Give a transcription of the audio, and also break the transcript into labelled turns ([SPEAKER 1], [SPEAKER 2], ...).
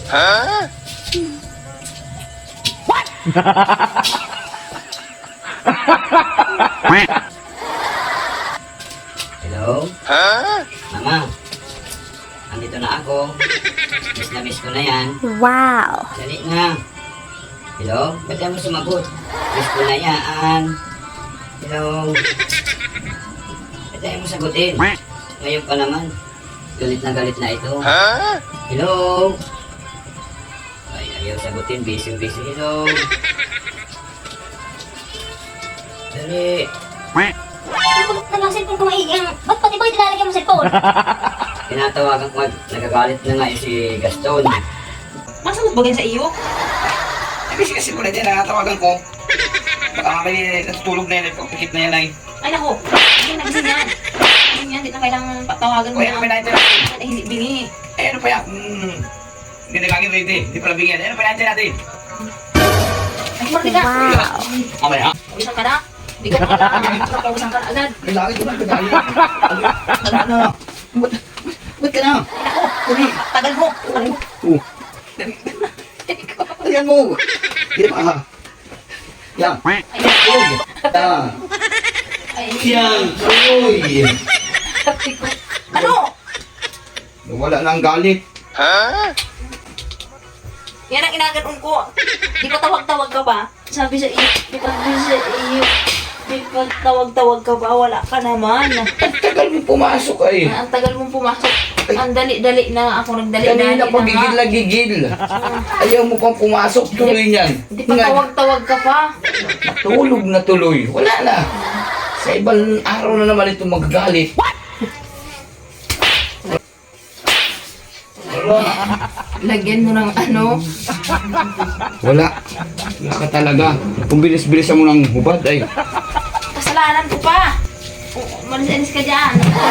[SPEAKER 1] What?
[SPEAKER 2] Hello? Mama, andito na ako. Miss na miss ko na yan.
[SPEAKER 3] Wow.
[SPEAKER 2] Dali na. Hello? Ba't ka mo sumagot? Miss ko na yan. Hello? Ba't tayo mo sagutin? Ngayon pa naman. Galit na ito. Hello? Ay, ayaw sagutin. Busy. Hello? Dali.
[SPEAKER 3] Bakit nalang cellphone ko maiiyang? Ba't pati ba nilalagyan mo cellphone?
[SPEAKER 2] Tinatawagan ko. Nagagalit na nga yung si Gaston.
[SPEAKER 1] Masagot ba ganyan sa iyo?
[SPEAKER 4] Kasi muna din, nakatawagan ko. Baka may natutulog na yan, pikit na yan ay.
[SPEAKER 1] Ay nako, hindi na kasi yan. Hindi yan, di na kailangan patawagan mo
[SPEAKER 4] Kaya
[SPEAKER 1] na.
[SPEAKER 4] may natin natin.
[SPEAKER 1] Ay, hindi bingi.
[SPEAKER 4] Eh ano pa yan? Hindi nagagin ready, hindi pala bigyan. Eh ano pa natin natin?
[SPEAKER 1] Ay, kumarte ka.
[SPEAKER 3] Wow.
[SPEAKER 4] Mamaya.
[SPEAKER 1] Pawisan ka na. Hindi ko pa pawisan ka na agad.
[SPEAKER 4] May lagi ko na kagaya. Ano? Ba't ka na?
[SPEAKER 1] Ay nako, tagal mo.
[SPEAKER 4] Ayan mo. Hindi pa. Yan.
[SPEAKER 1] Ay nako.
[SPEAKER 4] Yan.
[SPEAKER 1] Ay,
[SPEAKER 4] Yan. Uy.
[SPEAKER 1] ano?
[SPEAKER 4] Wala na ang galit.
[SPEAKER 1] Yan ang inaganon ko. Di pa tawag-tawag ka ba? Sabi sa iyo, di pa tawag-tawag ka ba? Wala ka naman.
[SPEAKER 4] Ang tagal mo pumasok ay.
[SPEAKER 1] Ang tagal mong pumasok. Ang dali-dali na ako nagdali-dali
[SPEAKER 4] Kanina pa gigil na gigil. Ayaw mo pang pumasok, tuloy niyan.
[SPEAKER 1] Di pa tawag-tawag ka pa.
[SPEAKER 4] Tulog na tuloy. Wala na. Sa ibang araw na naman ito magagalit.
[SPEAKER 1] Lagyan mo ng ano.
[SPEAKER 4] Wala. Wala ka talaga. Kung bilis-bilisan mo ng hubad ay.
[SPEAKER 1] Kasalanan ko pa. Malis-alis ka dyan.